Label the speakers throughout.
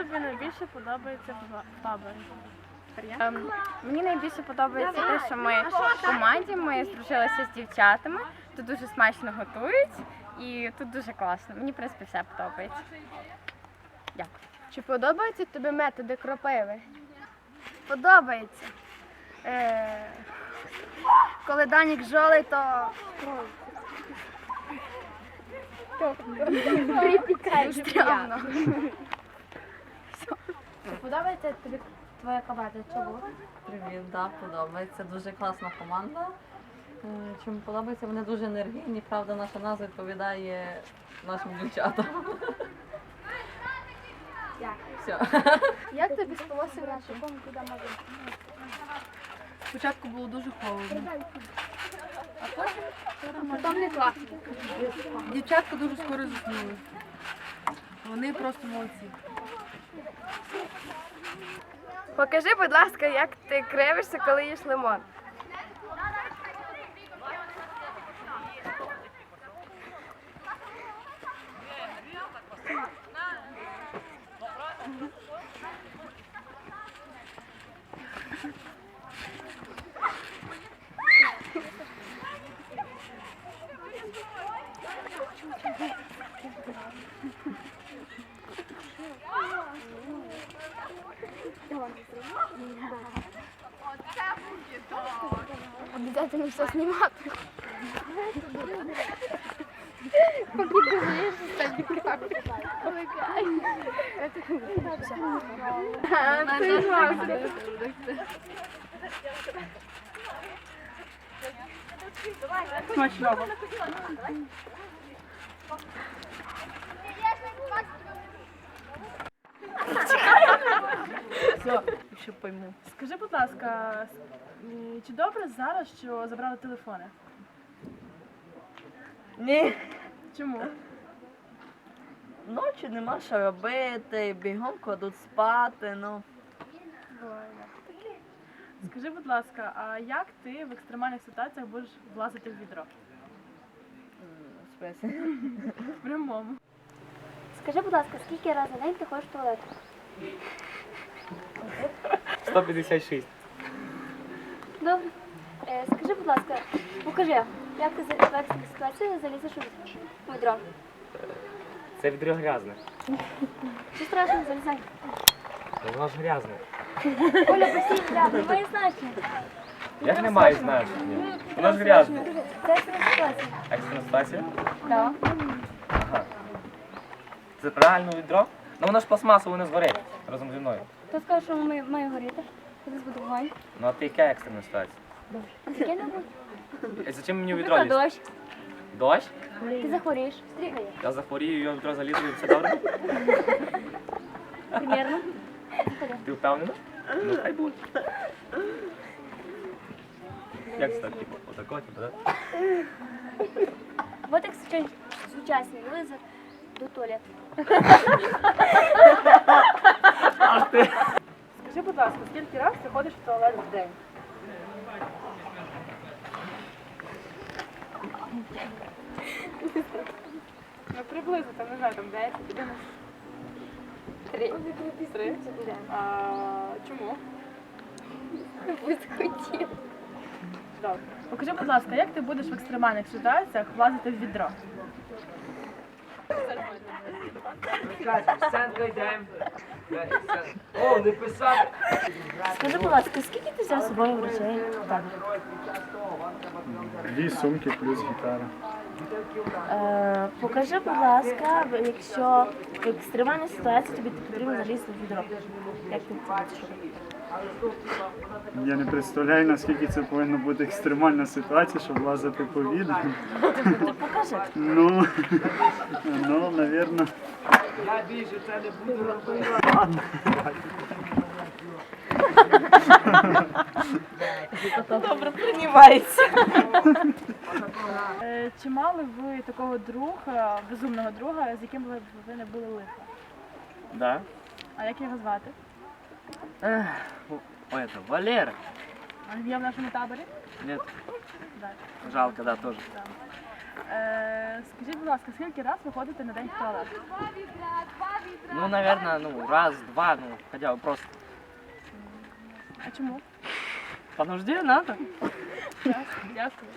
Speaker 1: тобі найбільше подобається в таборі?
Speaker 2: Мені найбільше подобається те, що ми в команді, ми здружилися з дівчатами, тут дуже смачно готують і тут дуже класно. Мені, в принципі, все подобається. Дякую.
Speaker 3: Чи подобаються тобі методи кропиви?
Speaker 4: Подобається. Коли Данік жолий, то стрьомно.
Speaker 3: Подобається тобі твоя команда? Чому?
Speaker 5: Привіт, так, подобається. Дуже класна команда. Чому подобається? Вони дуже енергійні, правда, наша назва відповідає нашим дівчатам. Все.
Speaker 3: Як тобі спалося грати?
Speaker 1: Спочатку було дуже холодно.
Speaker 3: Потім не класно.
Speaker 1: Дівчатка дуже скоро заснули. Вони просто молодці.
Speaker 3: Покажи, будь ласка, як ти кривишся, коли їш лимон. Обязательно все снимать.
Speaker 1: Смачного. Все, якщо пойму. Скажи, будь ласка, чи добре зараз, що забрали телефони?
Speaker 6: Ні,
Speaker 1: Чому?
Speaker 6: ночі нема що робити, бігом кладуть спати, ну.
Speaker 1: Скажи, будь ласка, а як ти в екстремальних ситуаціях будеш влазити в відро?
Speaker 6: В смислі?
Speaker 1: В прямому.
Speaker 3: Скажи, будь ласка, скільки разів на день ти ходиш в туалет?
Speaker 7: 156.
Speaker 3: Добре. Скажи, будь ласка, покажи, як ти в екстреній ситуації залізеш у відро?
Speaker 7: Це відро грязне.
Speaker 3: Що страшно, залізай.
Speaker 7: Ну, воно ж грязне.
Speaker 3: Оля, постійно, немає значення.
Speaker 7: Як не має значення? Воно ж грязне.
Speaker 3: Це екстрена ситуація.
Speaker 7: Екстрена ситуація?
Speaker 3: Так.
Speaker 7: Ага. Це правильно відро? Ну воно ж пластмасово не згорить разом зі мною.
Speaker 3: Хто скаже, що має горіти? Коли буде вогонь?
Speaker 7: Ну а ти яка екстрена ситуація?
Speaker 3: А таке не буде.
Speaker 7: І зачем мені відро
Speaker 3: Наприклад,
Speaker 7: лізти?
Speaker 3: дощ.
Speaker 7: Дощ?
Speaker 3: Ти захворієш. Стрігає.
Speaker 7: Я захворію, я відро залізу і все добре?
Speaker 3: Примірно.
Speaker 7: Ти впевнена? Ну хай буде. Як це так, типу, отако, типу, так?
Speaker 3: Вот як сучасні вилазять до туалету.
Speaker 1: Скажи, будь ласка, скільки разів ти ходиш в туалет в день? Ну, приблизно, там, не знаю, там 10, 11. 3. 3? Чому?
Speaker 3: Хотів.
Speaker 1: Добре. Покажи, будь ласка, як ти будеш в екстремальних ситуаціях влазити в відро?
Speaker 8: О, не писати!
Speaker 3: Скажи, будь ласка, скільки ти взяв з собою речей в табір?
Speaker 9: 2 сумки плюс гітара.
Speaker 3: Покажи, будь ласка, якщо в екстремальній ситуації тобі потрібно залізти в відро. Як ти це будеш робити?
Speaker 9: Я не представляю, наскільки це повинна бути екстремальна ситуація, щоб лазити по відру.
Speaker 3: Ти покажи.
Speaker 9: Ну, навірно.
Speaker 8: Я більше це не буду робити.
Speaker 6: Добре, приймається.
Speaker 1: Чи мали ви такого друга, безумного друга, з яким ви не були лихо?
Speaker 7: Да.
Speaker 1: А як його звати?
Speaker 7: Ой, это Валера.
Speaker 1: А він є в нашому таборі?
Speaker 7: Нет,
Speaker 1: Так.
Speaker 7: жалко, да, тоже.
Speaker 1: Скажіть, будь ласка, скільки раз ви ходите на день в туалет?
Speaker 7: Ну, наверное, ну, раз, два, ну, хотя бы просто.
Speaker 1: А чому?
Speaker 7: По нужде надо.
Speaker 1: Дякую.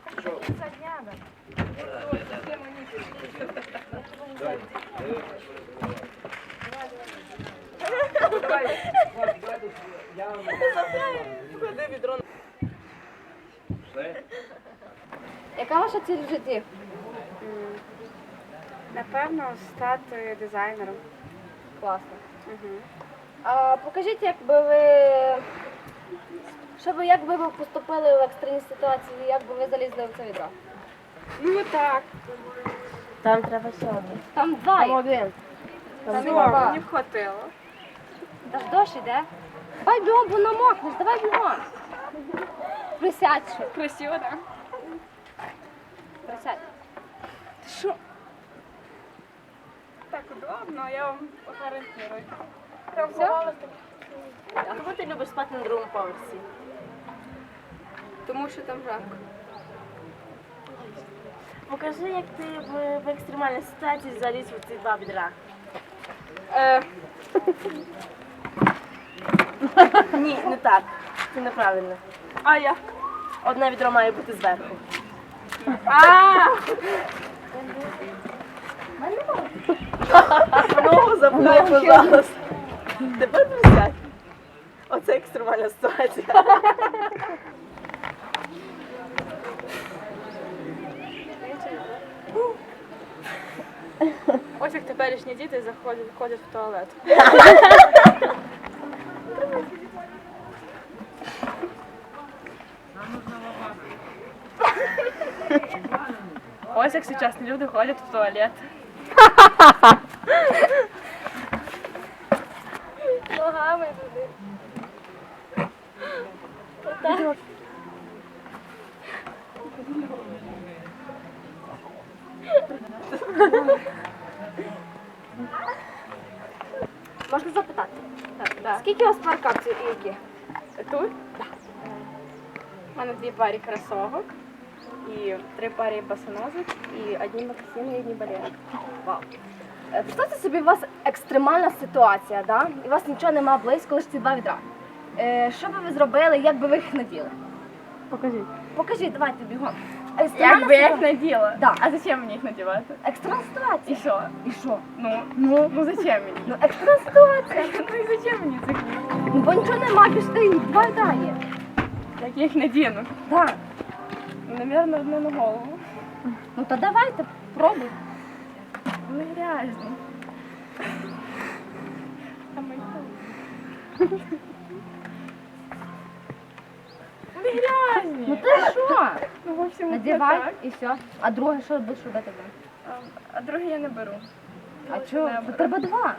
Speaker 3: Яка ваша ціль в житті?
Speaker 1: Напевно, стати дизайнером.
Speaker 3: Класно. А покажіть, як би ви поступили в екстреній ситуації, як би ви залізли в це відро?
Speaker 1: Ну так.
Speaker 3: Там треба ще один. Там два. Там один. Там два.
Speaker 1: Мені б хватило.
Speaker 3: Та ж дощ іде. Давай бігом, бо намокнеш, давай бігом. Присядь ще.
Speaker 1: Красиво, так?
Speaker 3: Присядь.
Speaker 1: Що? Так удобно, я вам гарантирую.
Speaker 3: Все?
Speaker 6: Чому ти любиш спати на другому поверсі?
Speaker 1: Тому що там жарко.
Speaker 6: Покажи, як ти в екстремальній ситуації заліз в ці два відра. Ні, не так. Це неправильно.
Speaker 1: А як?
Speaker 6: Одне відро має бути зверху. Ногу запхай, пожалуйста. Тепер присядь. Оце екстремальна ситуація.
Speaker 1: Ось як теперішні діти ходять в туалет. Ось як сучасні люди ходять в туалет.
Speaker 3: Ногами туди. Можна запитати?
Speaker 1: Так.
Speaker 3: Скільки у вас пар капців і які?
Speaker 1: Тут? У мене 2 пари кросовок, і 3 пари босоножок, і одні мокасини, і одні балерини.
Speaker 3: Вау. Представте собі, у вас екстремальна ситуація, да? І у вас нічого немає близько, лише ці два відра. Що би ви зробили, як би ви їх наділи?
Speaker 1: Покажіть.
Speaker 3: Покажіть, давайте бігом.
Speaker 2: Як би я їх наділа?
Speaker 3: Да.
Speaker 2: А зачем мені їх надівати?
Speaker 3: Екстремальна ситуація.
Speaker 2: І що?
Speaker 3: І що?
Speaker 2: Ну зачем мені?
Speaker 3: Ну, екстрена ситуація.
Speaker 2: Ну і зачем мені це?
Speaker 3: Ну, бо нічого немає, більше ти два відра є.
Speaker 2: Як я їх надіну?
Speaker 3: Так.
Speaker 2: Навірно, одне на голову.
Speaker 3: Ну, то давайте, пробуй.
Speaker 2: Ну грязно. А ми не грязні.
Speaker 3: Ну, ти що?
Speaker 2: Ну, в общем,
Speaker 3: Надівай
Speaker 2: так.
Speaker 3: і все. А друге, що будеш робити?
Speaker 2: А друге я не беру.
Speaker 3: А
Speaker 2: Лучше
Speaker 3: чого?
Speaker 2: не
Speaker 3: Бо
Speaker 2: беру.
Speaker 3: треба два.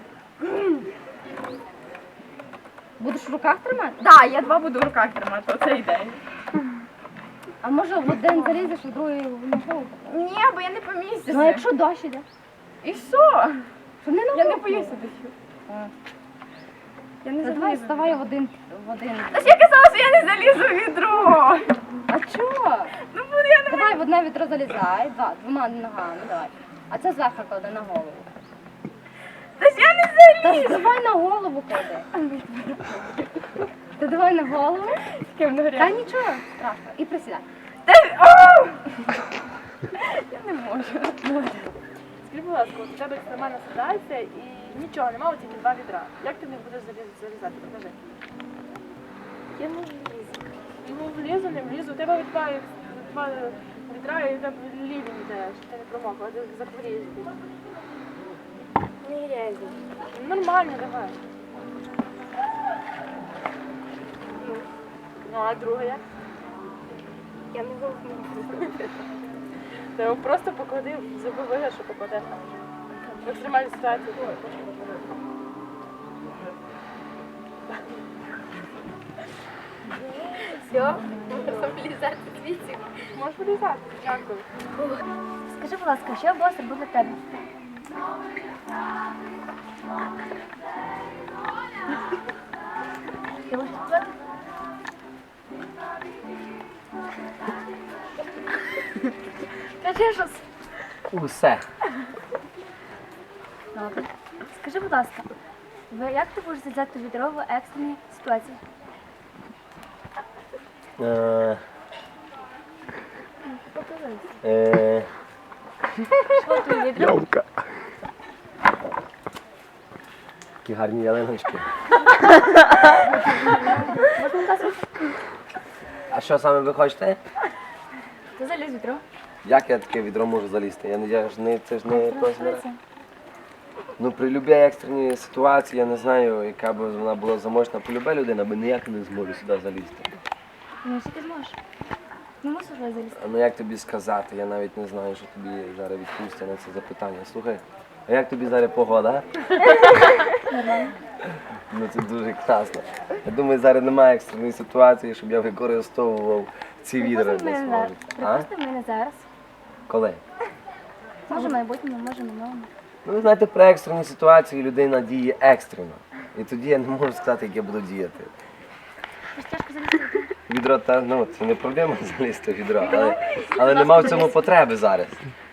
Speaker 3: Будеш в руках тримати?
Speaker 2: Да, я 2 буду в руках тримати, оце ідея.
Speaker 3: А може в один залізеш, а в другий в ногу?
Speaker 2: Ні, бо я не помістюся.
Speaker 3: Ну, а якщо дощ іде?
Speaker 2: І що?
Speaker 3: Що не
Speaker 2: Я не
Speaker 3: намокне?
Speaker 2: боюся дощу.
Speaker 3: А.
Speaker 2: Я не
Speaker 3: Та давай,
Speaker 2: залізу.
Speaker 3: вставай в один.
Speaker 2: Та ж я казала, що я не залізу в відро.
Speaker 3: А чого?
Speaker 2: Ну, буду я не...
Speaker 3: Давай в одне відро залізай, двома ногами, давай. А це зверху клади на голову.
Speaker 2: Та ж я не
Speaker 3: Та
Speaker 2: залізу.
Speaker 3: ж давай на голову клади. Ти давай на голову.
Speaker 2: З ким не
Speaker 3: Та
Speaker 2: грязно?
Speaker 3: нічого страшного. І присідай.
Speaker 2: Та ж... О! Я не можу.
Speaker 1: Скажіть, будь ласка, у тебе екстремальна ситуація і нічого немає, тільки 2 відра. Як ти в них будеш залізати? Покажи.
Speaker 6: Я не влізу.
Speaker 1: Ну, влізу, не влізу. У тебе 2 відра і там лівень йде, що ти не промокла, ти захворієш.
Speaker 6: Не грязні.
Speaker 1: Нормально, давай. Ну, а друге як?
Speaker 6: Я не можу.
Speaker 1: Ти його просто поклади, зроби вигляд, що покладеш. В екстремальній ситуації.
Speaker 3: Все, можна вилізати звідси.
Speaker 1: Можеш вилізати. Дякую.
Speaker 3: Скажи, будь ласка, що було робити для тебе? Ти можеш сказати? Кажи
Speaker 4: щось?
Speaker 7: Усе.
Speaker 3: Добре. Скажи, будь ласка, як ти будеш взяти відро в екстреній ситуації?
Speaker 7: Ямка. Які гарні ялиночки. А що саме ви хочете?
Speaker 3: Ти заліз відро.
Speaker 7: Як я таке відро можу залізти? Це ж не Ну, при любій екстреній ситуації, я не знаю, яка б вона була заможна, при любій людина би ніяк не зможе сюди залізти.
Speaker 3: Ну, що ти зможеш? Не мусиш залізти.
Speaker 7: А ну як тобі сказати? Я навіть не знаю, що тобі зараз відповісти на це запитання. Слухай, а як тобі зараз погода?
Speaker 3: Нормально.
Speaker 7: Ну це дуже класно. Я думаю, зараз немає екстреної ситуації, щоб я використовував ці відра для свого життя. А?
Speaker 3: Припустимо, мене зараз.
Speaker 7: Коли?
Speaker 3: Може в майбутньому, може в минулому.
Speaker 7: Ну, ви знаєте, при екстреній ситуації людина діє екстрено. І тоді я не можу сказати, як я буду діяти.
Speaker 3: Ти ж тяжко залізти.
Speaker 7: Відро, ну, це не проблема залізти в відро, але нема в цьому потреби зараз.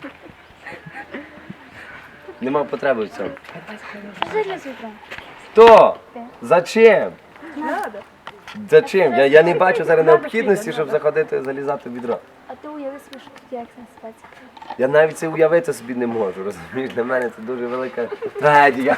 Speaker 7: Нема потреби в цьому.
Speaker 3: Що заліз відро?
Speaker 7: Хто? Зачем? Зачем? Я не бачу зараз необхідності, щоб заходити залізати в відро.
Speaker 3: А ти уяви собі, що тут є екстрена ситуація.
Speaker 7: Я навіть це уявити собі не можу, розумієш? Для мене це дуже велика трагедія.